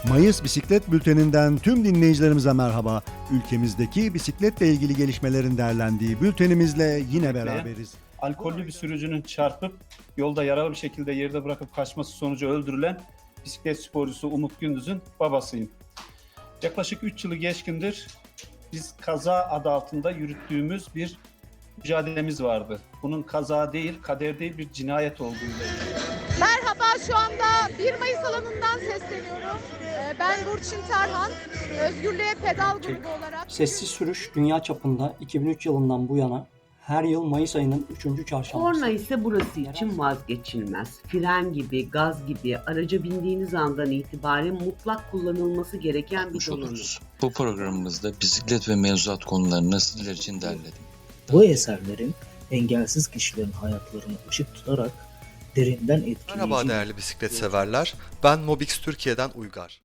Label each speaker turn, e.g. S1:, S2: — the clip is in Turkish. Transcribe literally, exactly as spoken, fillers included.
S1: Mayıs Bisiklet Bülteni'nden tüm dinleyicilerimize merhaba. Ülkemizdeki bisikletle ilgili gelişmelerin derlendiği bültenimizle yine beraberiz.
S2: Alkollü bir sürücünün çarpıp yolda yaralı bir şekilde yerde bırakıp kaçması sonucu öldürülen bisiklet sporcusu Umut Gündüz'ün babasıyım. Yaklaşık üç yılı geçkindir biz kaza adı altında yürüttüğümüz bir mücadelemiz vardı. Bunun kaza değil, kader değil, bir cinayet olduğuyla.
S3: Merhaba, şu anda bir Mayıs alanından sesleniyorum. Ee, Ben Burçin Tarhan, Özgürlüğe Pedal grubu olarak.
S4: Sessiz sürüş dünya çapında iki bin üç yılından bu yana her yıl Mayıs ayının üçüncü çarşambası.
S5: Korna ise burası için vazgeçilmez. Fren gibi, gaz gibi araca bindiğiniz andan itibaren mutlak kullanılması gereken bir donanım.
S6: Bu programımızda bisiklet ve mevzuat konularını sizler için derledim.
S7: Bu eserlerin engelsiz kişilerin hayatlarını ışık tutarak derinden etkileyici...
S8: Merhaba değerli bisiklet severler, ben Mobix Türkiye'den Uygar.